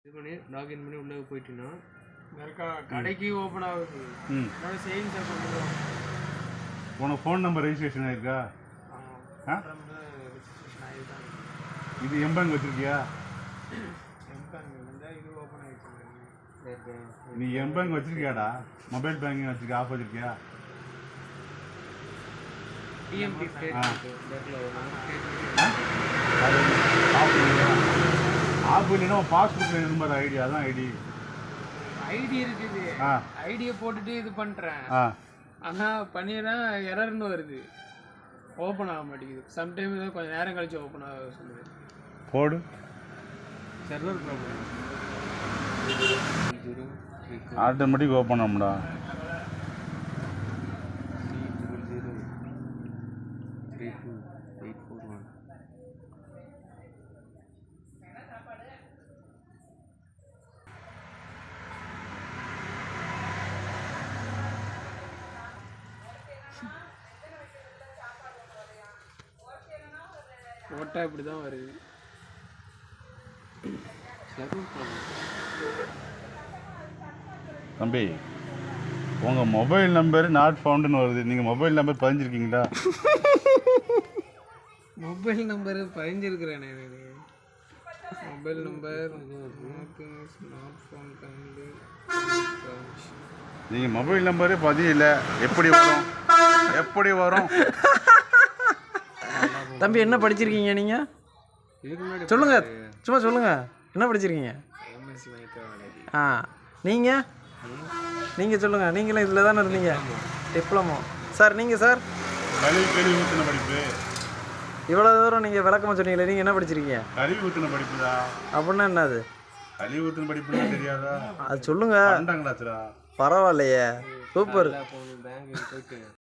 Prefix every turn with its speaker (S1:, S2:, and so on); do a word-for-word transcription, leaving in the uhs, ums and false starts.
S1: இது பண்ணி லாகின் பண்ணி உள்ளே போயிட்டீங்கன்னா
S2: இருக்கா கடைக்கு ஓப்பன் ஆகுது.
S3: ம்
S2: சேவிங்ஸ் அக்கௌண்ட்.
S3: உனக்கு ஃபோன் நம்பர் ரெஜிஸ்ட்ரேஷன் ஆயிருக்கா? ஆ
S2: ரெஜிஸ்ட்ரேஷன் ஆகிதான்.
S3: இது எம்பேங்க் வச்சிருக்கியா?
S2: எம்பேங்க் வந்து இது ஓப்பன் ஆகிடுச்சு.
S3: நீ எம்பேங்க் வச்சிருக்கியாடா? மொபைல் பேங்கிங் வச்சிருக்கியா? ஆஃப் வச்சிருக்கியா?
S1: டிஎம்டி ஸ்டேட்
S3: ஆஃப் இல்லைன்னா பாஸ்புக்கில் இருந்தார் ஐடி, அதான் ஐடி.
S2: ஐடி இருக்குது.
S3: ஆ
S2: ஐடியை போட்டுட்டு இது பண்ணுறேன்.
S3: ஆ
S2: ஆனால் பண்ணிடுறேன், எரர்னு வருது, ஓப்பன் ஆக மாட்டேங்குது. சம்டைம் தான் கொஞ்சம் நேரம் கழிச்சு ஓப்பன் ஆக சொல்லுது.
S3: போடு.
S1: Server problem.
S3: ஆட்டோமேட்டிக் ஓப்பன் ஆகும்டா.
S2: ஓட்டா இப்படி தான் வருது.
S3: தம்பி, உங்கள் மொபைல் நம்பர் நாட் ஃபவுண்டுன்னு வருது. நீங்கள் மொபைல் நம்பர் பதிஞ்சிருக்கீங்களா?
S2: மொபைல் நம்பர் பதிஞ்சிருக்கிறேன். மொபைல் நம்பர்
S3: நீங்கள் மொபைல் நம்பரே பதியல, எப்படி வரும்? எப்படி வரும்?
S4: தம்பி என்ன படிச்சிருக்கீங்க நீங்கள்? சொல்லுங்க, சும்மா சொல்லுங்க, என்ன படிச்சிருக்கீங்க? ஆ நீங்கள் நீங்கள் சொல்லுங்கள். நீங்களும் இதில் தானே இருந்தீங்க, டிப்ளமோ. சார் நீங்கள் சார்
S3: கல்வி கல்வி ஊற்றின படிப்பு.
S4: இவ்வளோ தூரம் நீங்கள் விளக்கமாக சொன்னீங்களே, நீங்கள் என்ன படிச்சிருக்கீங்க?
S3: கல்வி ஊற்றின படிப்புதா?
S4: அப்படின்னா என்னது?
S3: கல்வி ஊற்றின படிப்புன்னா தெரியாதா?
S4: அது சொல்லுங்க.
S3: பன்னெண்டாம் கிளாஸ்டா.
S4: பரவாயில்லையே, சூப்பர்.
S1: பேங்க் போயிட்டு